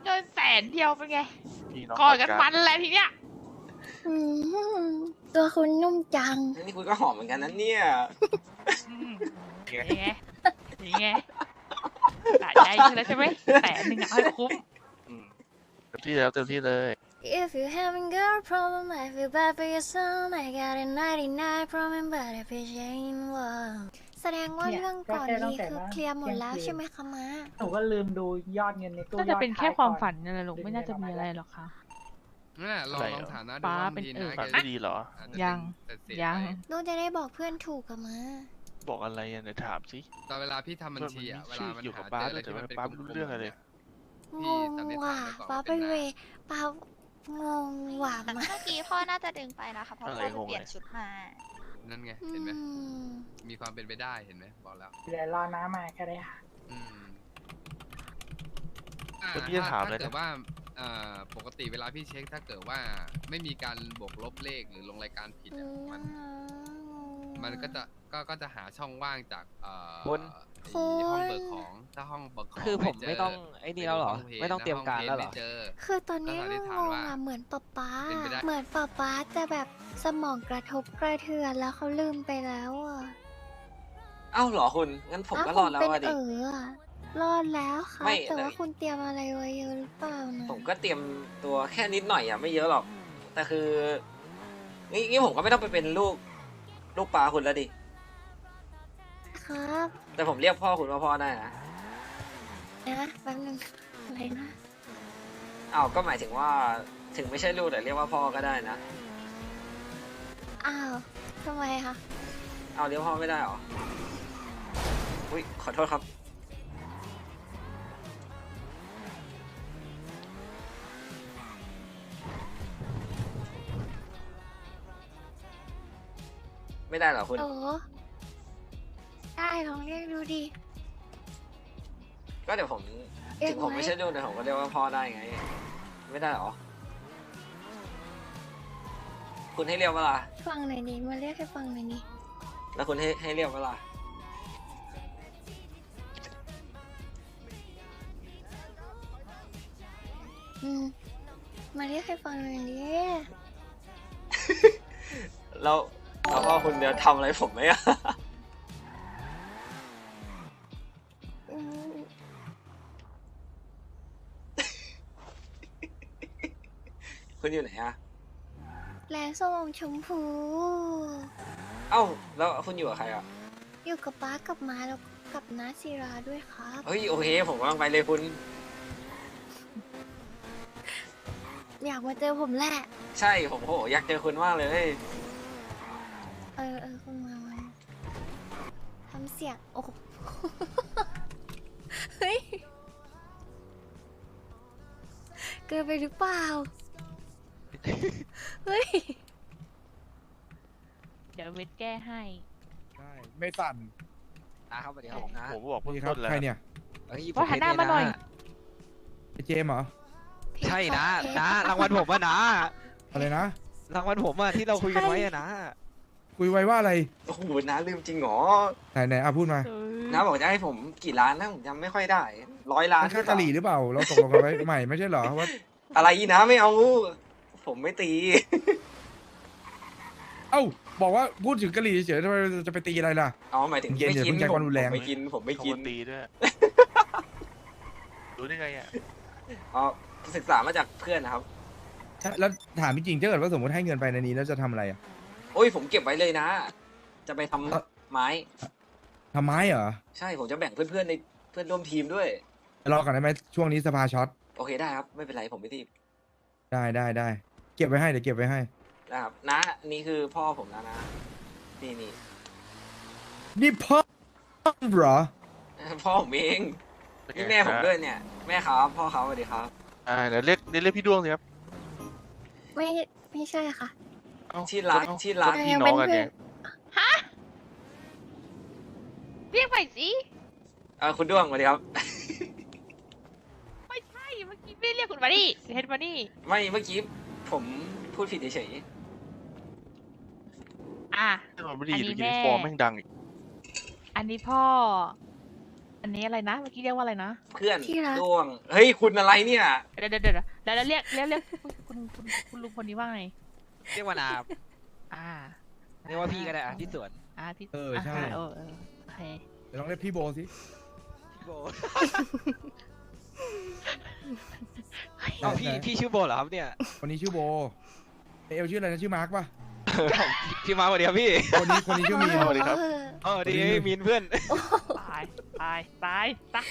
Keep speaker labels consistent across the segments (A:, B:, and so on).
A: กิน100,000เป็นไง
B: พี่น้อง
A: กอดกันมันแหละทีเนี้ย
C: อืมตัวคุณนุ่มจัง
D: นี่คุณก็หอมเหมือนกันนะเนี่ย
A: ยังไงยังไงสะใจขึ้นแล้วใช่ไหม100,000เอาให้คุ้ม
B: เต็มที่แล้วเต็มที่เลย
C: If you having girl problem I feel bad for your son I got a 99 problem but if it ain't one แสดงว่าเรื่องก่อนนี้คือเคลียร์หมดแล้วใช่ไหมคะม้า
E: หนูก็ลืมดูยอดเงินในตู้
A: น่าจะเป็นแค่ความฝันนั่นแหละลูกไม่น่าจะมีอะไรหรอกค่ะ
F: นั่นแหละลองฐานะดู
A: ฟ้า
F: ว่า
A: เป็น
F: ดี
A: เอ
F: นะ
A: อ
B: ฝันไม่ดีเหรอ
F: อาจจะ
A: ยัง
F: เป็นเศษ
A: ยัง
F: ไป
C: ลูกจะได้บอกเพื่อนถูกกับม้า
B: บอกอะไรอ่ะเนี่ยถามสิ
F: ตอนเวลาพี่ทำบัญชีอะเวลามัน
B: อยู่กับ
F: ห
B: ป้า
F: เจออะไร
B: แต่
F: ที่
B: ว่า
F: มันเป็น
B: ป้าไม่รู้เรื่องอะไรเลย
C: งงว่ะป้าไปเวป้างงว่ะมา
G: เมื่อกี้พ่อน่าจะดึงไปนะคะเพราะพ่อไปเปลี่ยนชุดมา
F: นั่นไง
C: อื
F: เห็นไหม
C: ม
F: มีความเป็นไปได้เห็นไหมบอกแล้ว
E: เดี๋ยวรอน้ามาก็ได้ค่ะ
F: อืม
B: คนที่จะถามเลย
F: ถ้าเกิด
B: นะ
F: ว่าปกติเวลาพี่เช็คถ้าเกิดว่าไม่มีการบวกลบเลขหรือลงรายการผิดอะมันก็จะหาช่องว่างจาก
H: คุณ
F: ไอ้ห้องเบิกของถ้าห้องเบิกของ
H: คือผม
F: เจ
H: ไม่ต้องไอ้นี่แล้วเหรอ ไม่ต้องเตรียมการแล้วเหรอ
F: ไม่เจอ
C: คือตอนนี้
F: ก็สันนิษ
C: ง
F: ฐาน
C: ง
F: ว่า
C: อ่ะเหมือนป๊า
F: เป็นไปได้
C: เหมือนป๊าจะแบบสมองกระทบกระเทือนแล้วเขาลืมไปแล้วอ่ะ
D: เอ้าเหรอคุณ งั้นผมก็รอดแล้ว
C: เป็น
D: อะดิ
C: อะรอดแล้วค่ะ
D: ไม่
C: แต่ว่า
D: เลย
C: คุณเตรียมอะไรไว้เยอะหรือเปล่านะ
D: ผมก็เตรียมตัวแค่นิดหน่อยอ่ะไม่เยอะหรอก แต่คืองี้ผมก็ไม่ต้องไปเป็นลูกปลาคุณแล้วดิ
C: ครับ
D: แต่ผมเรียกพ่อคุณว่าพ่อได้นะ
C: นะแป๊บนึงอะไรนะ
D: อ้าวก็หมายถึงว่าถึงไม่ใช่ลูกแต่เรียกว่าพ่อก็ได้นะ
C: อ้าวทำไมคะ
D: เอาเรียกพ่อไม่ได้เหรอ อุ้ยขอโทษครับ ไม่ได้เหรอคุณ
C: โอ้ได้ลองเรียกดูดิ
D: ก็เดี๋ยวผม
C: เรีย
D: ถึ
C: ก
D: งผม
C: ไว้
D: ไม่ใช่ลูกแต่ผมก็เรียกว่าพ่อได้ไง ไม่ได้เหรอ คุณให้เรียกว่าล่ะ
C: ฟังหน่อยดิมาเรียกให้ฟังหน่อยดิ
D: แล้วคุณให้เรียกว่าล่ะ
C: มาเรียกให้ฟังหน่อยดิ
D: แล้วพ่อคุณเดี๋ยวทำอะไรผมไหมอะ
C: อืม
D: คุณอยู่ไหนอะ
C: แลส้มชมพู
D: เอ้าแล้วคุณอยู่กับใครอะ
C: อยู่กับป้ากับม้าแล้วกับน้าศิราด้วยครับ
D: เฮ้ยโอเคผมกำลังไปเลยคุณ
C: อยากมาเจอผมแหละ
D: ใช่ผมโหอยากเจอคุณมากเลย
C: คุณมาทำเสียงโอ้โห เฮ้ย เกินไปหรือเปล่า เฮ้ย
A: เดี๋ยวเวทแก้ให้
I: ใช่ไม่สั่น
H: นะครับสวัสดีครับผมนะ
B: ผมบอกเพิ่ง
I: นี่ครับ
B: ต้นแล้ว
I: ใครเนี่ย
H: เฮ้ย
A: ว่าหันหน้ามาหน่อย
I: ไอเจมส์เหรอ
H: ใช่นะนะรางวัลผมอะนะ
I: อะไรนะ
H: รางวัลผมอะที่เราคุยกันไว้อะนะ
I: คุยไว้ว่าอะไร
D: โอ้โหน้าลืมจริงเหรอ
I: ไหนอ่ะพูดมา
D: น้าบอกจะให้ผมกี่ล้านนะผมจำไม่ค่อยได้100 ล้าน
I: มันค่ากะหรี่หรือเปล่า เราตกลงกันไว้ใหม่ไม่ใช่เหรอว่า
D: อะไรนะไม่เอา ผมไม่ตี
I: เอ้าบอกว่าพูดถึงกะหรี่เฉยๆทำไมจะไปตีอะไรล่ะ
D: เอาหมายถึง
I: เย็น
D: ไม่
I: อย่า
D: กิน
I: เพิ่งใช้ความรุนแรง
D: ผมไม่กินผมไม่
B: เขา
D: กิน
B: ตีด้วย รู้ได้ไงอ่ะ
D: อ๋อศึกษามาจากเพื่อนนะครับ
I: แล้วถามจริงๆถ้าเกิดว่าสมมติให้เงินไปในนี้แล้วจะทำอะไรอ่ะ
D: โอ้ยผมเก็บไว้เลยนะ จะไปทำไม้
I: ทำไม้เหรอ
D: ใช่ผมจะแบ่งเพื่อนๆในเพื่อนร่วมทีมด้วย
I: รอก่อนได้ไหมช่วงนี้สภาช็อต
D: โอเคได้ครับไม่เป็นไรผมไม่ตีบ
I: ได้เก็บไว้ให้เดี๋ยวเก็บไว้ให้
D: นะครับนะนี่คือพ่อผมนะนี่
I: นี่พ่อเหรอ
D: พ่อผมเองนี่แม่ผมด้วยเนี่ย แม่ครับพ่อเขาสวัสดีครับ
B: เดี๋ยวเรียกพี่ดวงสิครับ
C: ไม่ใช่ค่ะ
B: เอ้า
D: ที่รัก
B: เอ้า
D: ที่รัก
B: พี่น้องกันเนี่ย
A: ฮะ เรียกไปสิ
D: คุณด้วงสวัสดีครับ
A: ไม่ใช่ เมื่อกี้ไม่ได้เรียกคุณมานี่เฮดมานี่
D: ไม่เมื่อกี้ผมพูดผิดเฉย
A: อ่ะ
B: ถ้าเราไม่ได้ยิน
A: อันนี้
B: ยูนิ
A: แม่
B: ฟอร์มแม่งดังอีก
A: อันนี้พ่ออันนี้อะไรนะเมื่อกี้เรียกว่าอะไรนะ
D: เพื่อน
C: ที่รัก
D: ด้วงเฮ้ยคุณอะไรเนี่ย
A: เดี๋ยวเรียกคุณลุงคนนี้ว่าไง
H: เรียกว่านา
A: อ่า
H: เรียกว่าพี่ก็ได้อะที่สวน
A: พี่
I: ใช่
A: โอเค
I: เดี๋ยวลองเรียกพี่โบสิ
H: พี่โบเอ้าพี่ชื่อโบเหรอครับเนี่ย
I: คนนี้ชื่อโบเอลชื่ออะไรนะชื่อมาร์กป่ะ
H: พี่มาสวัสดีครับพี่
I: คนนี้ชื่อมีน
B: สวัสดีครับ
H: เออดีมีนเพื่อน
A: ตาย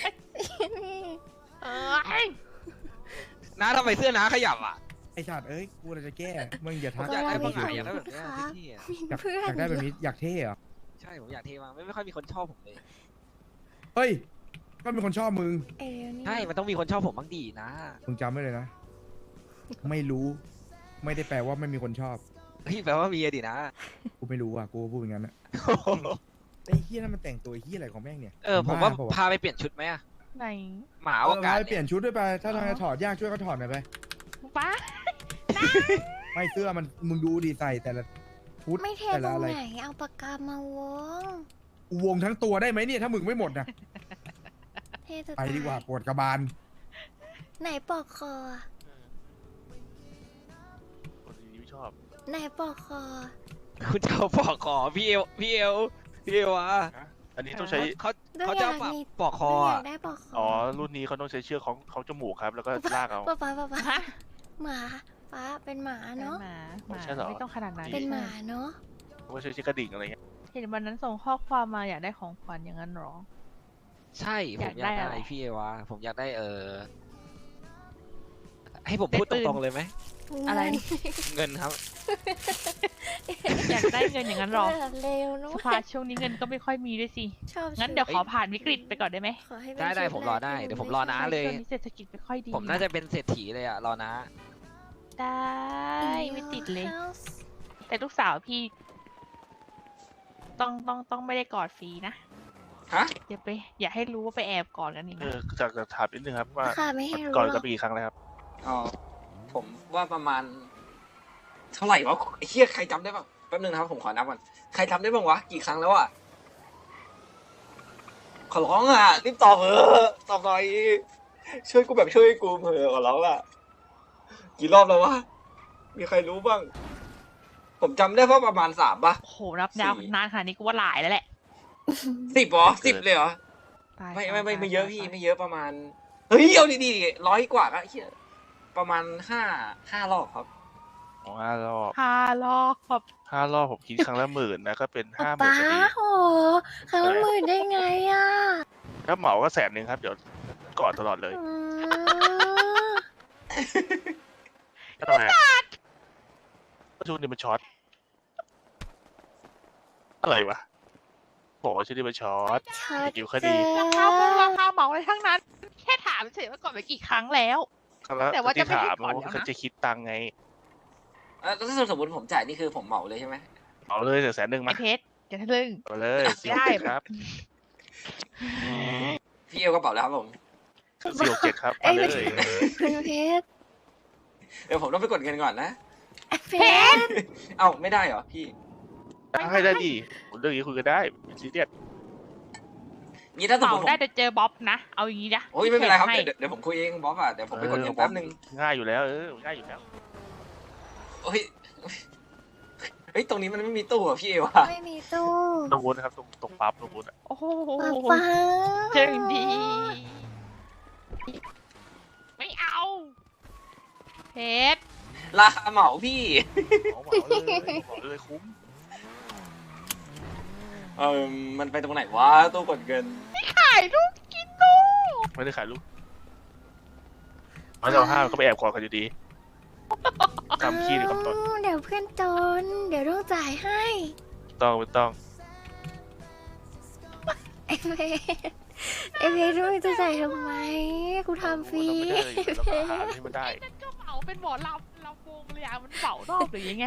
A: เออ
H: น้าทำไมเสื้อน้าขยับอ่ะ
I: ไอชาติเอ้ยกูเราจะแก้มึงอย่าทัก
H: อยากได้
C: ก็
H: บ้าง
C: เรา
H: อะ
C: มี
H: อยากได้แบบ
C: คน
H: เนี้ย
C: ค่ะ
H: ที่อะ
I: อยาก
C: เพื่อน
I: อยากได้แบบนี้อยากเท่เหรอ
H: ใช่ผมอยากเทมากไม่ค่อยมีคนชอบผมเลย
I: เฮ้ยก็มีคนชอบมึง
C: เอเดี๋ยวนี้
H: ใช่มันต้องมีคนชอบผมบ้างดีนะ
I: มึงจำไว้เลยนะ ไม่รู้ ไม่ได้แปลว่าไม่มีคนชอบ
H: พี่แปลว่ามีอะดินะ
I: กูไม่รู้อ่ะกูพูดอย่างนั้นนะไอ้เฮียนั่นมันแต่งตัวเฮียอะไรของแม่งเนี่ย
H: ผมว่า
I: บ้เปล่
H: พาไปเปลี่ยนชุดไหมอะ
A: ไหน
H: หมา
I: เอ
H: อ
I: อ
H: วกาศ
I: ไปเปลี่
H: เนี่ย
I: ยนชุดด้วยไป ถ้าทางจะถอดยากช่วยก็ถอดหน่อยไป
A: ป้า
I: ไม่เสื้อมันมึงดูดีใส่แต่ละชุด
C: ไม่เท
I: แต่
C: ตร
I: ละ
C: ง
I: อะไร
C: ไหนเอาปากกามาวง
I: วงทั้งตัวได้ไหมเนี่ยถ้ามึงไม่หมดนะ
C: เทจะ
I: ไปดีกว่าปวดกระบาล
C: ไหนปอกคอ
B: คนนี้ไม่ชอบ
C: ไหนปอกคอ
H: คุณจะเอาปอกคอพี่เอวอะ
B: อันนี้ต้องใช้
H: เขาจะเอาปอกคอ
C: อยา
H: อะ
C: กได้ปอกคอ
B: อ๋อ รุ่นนี้เขาต้องใช้เชือกของจมูกครับ แล้วก็ลากเอา
C: ป้าหมาป้าเป็นหมาเนาะ
A: หมา
B: ใช่เหรอ
A: ไม่ต้องขนาดนั้น
C: เป็นหมาเนาะ
B: เขาก็ใช้เชือกกระดิ่งอะไรเงี้ย
A: เห็นวันนั้นส่งข้อความมาอยากได้ของขวัญอย่างนั้นหรอ
H: ใช่ผมอยาก ก
A: อายได้
H: ได้
A: อะไร
H: พี่เอวะผมอยากได้ให้ผมพูด
A: ได้
H: ต
A: ปืน
H: รงๆเลยไหม
A: อะไร
H: เงินครับ
A: อยากได้เงินอย่างนั้นหรอ
C: เร็วเนาะ
A: สภาช่วงนี้เงินก็ไม่ค่อยมีด้วยสิ
C: ชอบ
A: งั้นเดี๋ยวขอผ่านวิกฤตไปก่อนได้ไหม
C: ขอให้เป็น
H: ได้
C: ชุ
H: ผมรอได้
C: แกที่
H: เดี๋ยว
C: ห
H: ผมรอน้าเลย
A: ช่วงนี้เศรษฐกิจไม่ค่อยดี
H: ผมน่าจะเป็นเศรษฐีเลยอะรอนะ
A: ได้ไม่ติดเลย
C: In your house
A: แต่ลูกสาวพี่ ต้องไม่ได้กอดฟรีนะ
D: ฮะ
A: อย่าให้รู้ว่าไปแอบกอดกันอีกนะ
B: จากถามนิดนึงครับว่า
C: ค่ะไม่ให้รู้
B: ก่อน
C: หร
B: กั
C: อบ ก
B: ปีครั้งแล้วครับ
D: อ๋อผมว่าประมาณ เท่าไหร่วะไอ้เหี้ยใครจำได้บ้างแป๊บนึงนะครับผมขอนับก่อนใครจำได้บ้างวะกี่ครั้งแล้วอะขอร้องอ่ะรีบตอบเถอะตอบหน่อยช่วยกูแบบช่วยกูเถอะขอร้องล่ะกี่รอบแล้ววะมีใครรู้บ้าง ผมจำได้ว่าประมาณ3ป่ะ
A: โอ้โหนับยาว
D: สี่
A: นานขนาดนี้กูว่าหลายแล้วแหละ
D: 10เหรอ10เลยเหรอ
A: ตาย
D: ไม่เยอะพี่ไม่เยอะประมาณเฮ้ยเอาดีๆ100 กว่าก็เหี้ยประมาณ5 รอบครับ
B: ของ5 รอบ
A: 5 รอบ
B: 5 รอบผมคิดครั้งละ10,000นะก็เป็น 50,000
C: ป้า
B: พอดี
C: โหครั้งละหมื่นได้ไงอ่ะ
B: ถ้าเหมาก็100,000ครับเดี๋ยวกอดตลอดเลย
C: อืม
B: ก็ทำไมช่วงนี้มันช็อตอะไรวะบอกว่าช่วงนี้มันช็อต
C: ชัด
B: อยู่ค
C: เจ
B: ดี
A: ราคาเหมาอะไรทั้งนั้น แค่ถามเฉยว่าก่อนไปกี่ครั้งแล้ว
B: แล้ว
A: แต่ว่าจะไม่
B: ที่
A: ให้
B: ถาม
A: ก่อน
B: ว่า
A: แล้วนะ
B: เขาจะคิดตังค์ไง
D: แล้วถ้าสมมติผมจ่ายนี่คือผมเหมาเลยใช่ไหม
B: เอาเลย100,000
A: ไอ
B: มา
A: เพชรอย่าทะลึ่ง
B: เอาเลย
A: ได้
B: 467ครับ
D: พี่เอวกระเป๋าแล้วครับผม
B: 467ครับ
C: เอ้
B: มาย เล
C: ไม่
B: ย
C: คุณเพชร
D: เดี๋ยวผมต้องไปกดเงินก่อนนะ
C: เพชร
D: เอ้าไม่ได้เหรอพี่
B: ให้ได้ดีเรื่องนี้คุยกันได้ไม่ซีเรียส
D: งี้ถ้าสม
A: เป่าม
D: ติผม
A: ได้แต่เจอบ๊อบนะ เอาอย่างนี้นะ
D: โอ้ยไม่เป็นไรครับ
A: ให้
D: เดี๋ยวผมคุยเองบอสอ่ะเดี๋ยวผมไปกดเงินแป๊บนึง
B: ง่ายอยู่แล้วง่ายอยู่แล้ว
D: โอ้ยเฮ้ยตรงนี้มันไม่มีตู้อ่ะพี่เอวอ่ะ
C: ไม่มีตู้
B: ตรงวุ้นครับตรงปั๊บตรงวุ้นอ่ะ
A: โอ้โห
C: ป้า
A: เจอดี ไม่เอา เพชร
D: ราคาเหมาพี่
B: เหมาเลยคุ้ม
D: มันไปตรงไหนวะตู้กดเงิน
A: ขายลูกกินลูก
B: ไม่ได้ขายลูกมันจะเอา5ก็ไปแอบกอดกันอยู่ดีคำขี้หรือคำตด
C: เดี๋ยวเพื่อนจน เดี๋ยวต้องจ่ายให้
B: ไม่ต้อง
C: ไอเพชรไอเพชรมึงจะจ่ายทำไม กูทำฟรี
B: ไม่ได้เลยแล้วก็หาที่มันได้
A: นั่นก็เหมาเป็นหมอลำวงเลยอ่ะมันเหมารอบหรือยังไง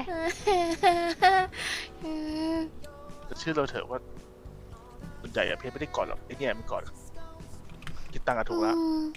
B: ชื่อเราเถอะว่าส่วนใหญ่อะเพชรไม่ได้กอดหรอกไอ้เนี่ยมันกอดคิดตังค์อะถูกแล้ว
C: อืม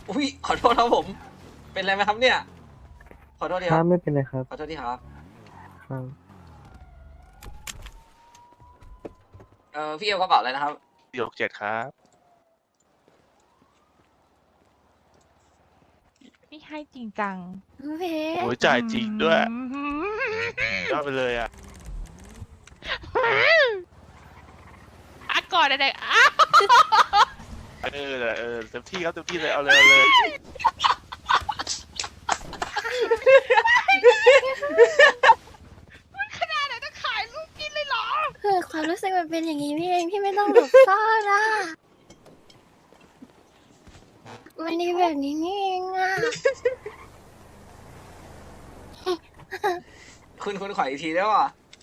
D: อุ้ยขอโทษครับผม เป็นไรไหมครับเนี่ย ขอโทษทีครับ
J: ไม่เป็นไรครับ
D: ขอโทษทีครับ
J: ครับ
D: พี่เอวกระเป๋าอะไรนะครับ
B: 467ครับ
A: นี่ให้จริงจัง
C: เพช
B: โอ้
C: ร
B: ยจ่ายจริงด้วยยอดไปเลยอ่ะ
A: อ่ะก่อนเด็กๆอ่ะ
B: เต็มที่ครับเต็มที่เลยเอาเลยเอาเลย
A: ขนาดไหนจะขายลูกกินเลยเหรอ
C: คือความรู้สึกมันเป็นอย่างนี้พี่เองพี่ไม่ต้องหลบซ่อนอ่ะมันดีแบบนี้นี่เองอ่ะ
D: คุณขออีกทีได้ป่ะ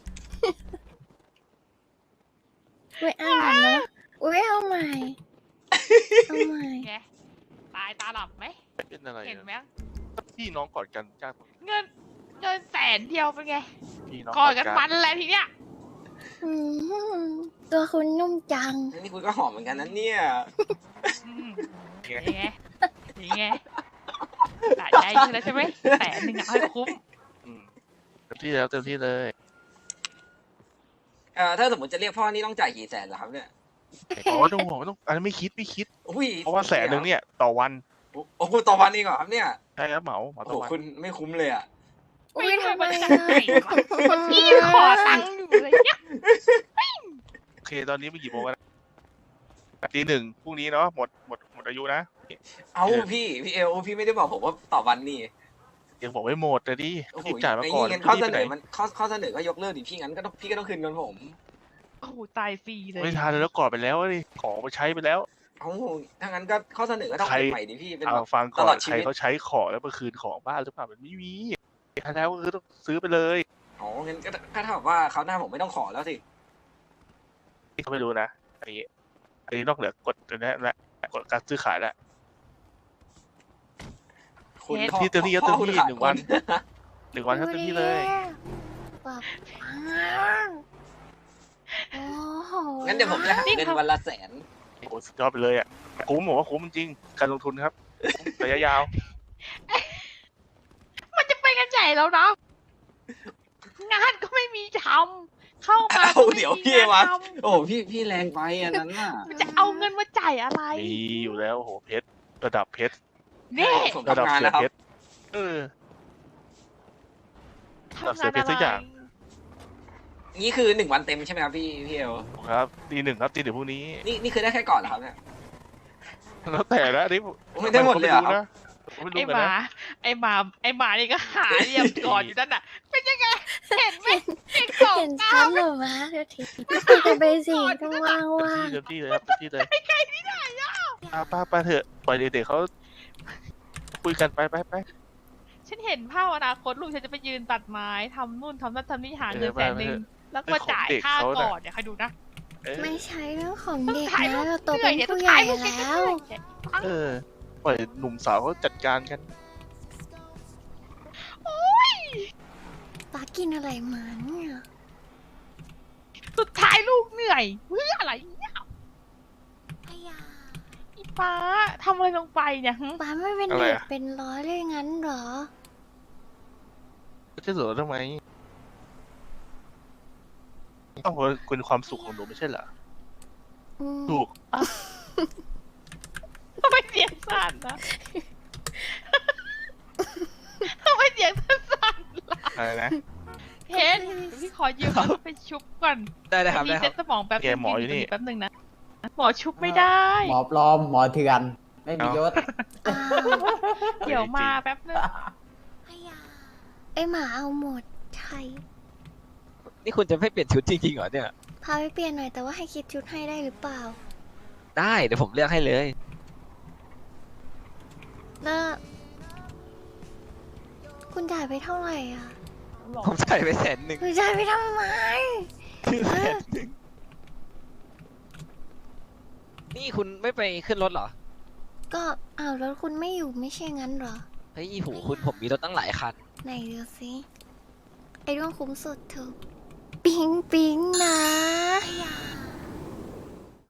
C: อุ้ยอ่านก่อนนะอุ้ยเอาใหม่เอาใหม่
A: ไงตายตาหลับไหม
B: เป็นอะไร
A: เห็นไหม
B: พี่น้องกอดกันจ้า
A: เงินแสนเดียวเป็นไง
B: พี่น้อง
A: กอดกันมันแหละทีเนี้ย
C: อืมตัวคุณนุ่มจัง
D: นี่คุณก็หอมเหมือนกันนะเนี่ย
A: อืมนี่ไงนี่ไงสะใจขึ้นแล้วใช่ไหม100,000อ่ะให้คุ้ม
B: อืมเต็มที่แล้วเต็มที่เลย
D: ถ้าสมมติจะเรียกพ่อนี่ต้องจ่ายกี่แสนเหรอครับเนี่ย
B: อ๋อไม่ต้องห่วงไม่ต้องอันนั้นไม่คิด
D: อุ้ย
B: เพราะว่า100,000เนี่ยต่อวัน
D: โอ้โหต่อวันเองเหรอครับเนี่ย
B: ใช่ครับเหมา
D: โอ้
B: ต่
D: โห
B: อวัน
D: คุณไม่คุ้มเลยอ่ะ
C: อุ้ยทำไม
A: ไม่
C: อ่ะ
A: ได้พี่ขอตังค์อยู่เลยเนี่ย
B: โอเคตอนนี้มันกี่โมงแล้วตี 1พรุ่งนี้เนาะหมดอายุนะ
D: เอาพี่เอลพี่ไม่ได้บอกผมว่าต่อวันนี่
B: ยังบอกไม่หมดเลยดิ
D: โอ้โห
B: รีบจ่ายมา
D: ไอ้
B: ก่อน
D: นี่งั้นข้อเสน
B: รีบ
D: อ
B: ไปไห
D: มันข้อเสนอก็ยกเลิกดิพี่งั้นก็ต้องพี่ก็ต้องคืนเงินผม
A: โอ้โหตายฟรีเลย
B: ไม่ทันแล้วกอดไปแล้วดิของไปใช้ไปแล้ว
D: เอาถ้างั้นก็ข้อเสนอก็ต้อง
B: ใคร
D: เป็นใหม่ดิพี่เป็น
B: เอา
D: แบบ
B: ฟังก่
D: ต
B: อ
D: ลอน ดชี
B: ใคร
D: วิต
B: เขาใช้ของแล้วมาคืนของบ้านหรือเปล่ามันไม่มีถ้าแล้วก็คือต้องซื้อไปเลย
D: อ๋องั้นก็เท่ากับว่าเขาวหน้าผมไม่ต้องขอแล้วสิ
B: เขาไม่รู้นะอันนี้นอกเหนือกฎอันนี้และกฎการซื้อขายแล้ว
D: คุณ
B: ที่เต็มที่ก็เต็มที่
D: พ่อคุณขาด
B: 1 วัน
D: ทุ
B: 1 วันครับเต็มที่เลย
C: แบบโอ้โห
D: งั้นเดี๋ยวผมจะหักเงินวันละ100,000
B: โอ้โหสุดยอดไปเลยอ่ะคุ้มผมว่าคุ้มจริงๆการลงทุนครับระยะยาว
A: มันจะไปกันใหญ่แล้วนะงานก็ไม่มีทำเข้ามา
D: เอา
A: ก็ไม่
D: เดี๋ยว
A: มี
D: พี่
A: งาน
D: วะ
A: ท
D: โอ้โหพี่แรงไปอันนั้นน่ะ
A: ำจะเอาเงินมาจ่ายอะไร
B: มีอยู่แล้วโอ้โหเพชรระดับเพชร
A: นี่
D: ผม
B: ระดับ
D: ทำงาน
B: เสือ
D: นะครับ
B: เพชร
A: ทำ
B: เสี
A: งาย น
B: เพช
A: อะ
B: รสัก
A: ไร
B: อย่าง
D: นี่คือ1 วันเต็มใช่ไหมครับพี่เอล
B: ครับตี 1ครับตี 1พรุ่งนี้
D: นี่คือได้แค่ก่อนเหรอครับเนี่ย
B: แล้วแต่นะอันนี่
D: ไม่ได้หมดเลยเหรอ
B: ไม่
A: ไอ้
B: รู้
A: ห
B: นะ
A: มาไอ้หมานี่ก็หาเรียบก่อนอยู่นั่นน่ะ เป็นยังไง เห็นไหมเด็กสอง
C: เห็น
A: ก้า
C: ชั้
A: วน
C: หรือมาเดี๋ยวทีคุยกันไปสิก็ว่างว่าง
B: เต็มที่เลยครับเต็มที่เลย
A: ใครที่ไหนอ่ะ
B: ป้าเถอะปล่อยเด็กๆเขาคุยกันไป
A: ฉันเห็นภาพอนาคตลูกฉันจะไปยืนตัดไม้ทำนู่นทำนั่นทำนี่หาเงิน
B: เออ
A: 100,000แล้วก็มาจ่ายค่าก่อนเดี๋ยวใครดูนะ
B: เออ
C: ไม่ใช่เรื่องของเด็ก
A: ถ่ายรู
C: นะ
A: ป
C: เราโต
A: เหนื่
C: เป็
A: อน ยเนี่ยต้อ
C: ผู้
A: ง
C: ใหญ่
A: ถ่ายรูป
C: แล้ว
B: เออปล่อยหนุ่มสาวเขาจัดการกัน
A: โอ้ย
C: ป้ากินอะไรมาเนี่ย
A: สุดท้ายลูกเหนื่อยเพื่ออะไรเนี่ย
C: พยา
A: อีป้าทำอะไรลงไปเนี่ยหึ
C: ป้าไม่เป็น
B: อะไร
C: เด็ก
B: อะ
C: เป็นร้อยเลยงั้นเหรอ
B: จะเหลือทำไมต้องเป็นความสุขของหนูไม่ใช่เหรอ
C: อืม
B: ถูก
A: ทำไมเสียงสั่นนะทำไมเสียงสั่นล่ะ
B: อะไรนะ
A: เพชรพี่ขอยืมรถไปชุบก่อน
H: ได้ครับ
A: มี
H: ได้ค
A: เซ็
H: รับ
A: ตสมองแป๊บ
B: แกหมออยู่นี่
A: แป๊บนึงนะหมอชุบไม่ได้
J: หมอปลอม หมอเถื่อน ไม่มียศ
C: อ้าว
A: เดี๋ยวมาแป๊บนึง
C: พยาไอหมาเอาหมดใช่
H: นี่คุณจะไม่เปลี่ยนชุดจริงๆเหรอเนี่ย
C: พาไปเปลี่ยนหน่อยแต่ว่าให้คิดชุดให้ได้หรือเปล่า
H: ได้เดี๋ยวผมเลือกให้เลย
C: แล้วคุณจ่ายไปเท่าไหร่อ่ะ
H: ผมใส่ไป100,000
C: คุณจ่ายไปทำไม
H: นี่คุณไม่ไปขึ้นรถเหรอ
C: ก็อ้าวแล้วคุณไม่อยู่ไม่ใช่งั้นเหรอ
H: เฮ้ยหูคุณผมมีรถตั้งหลายคัน
C: ไหนดูสิไอ้เรื่องคุ้มสุดเถอะปิ๊งปิ๊ง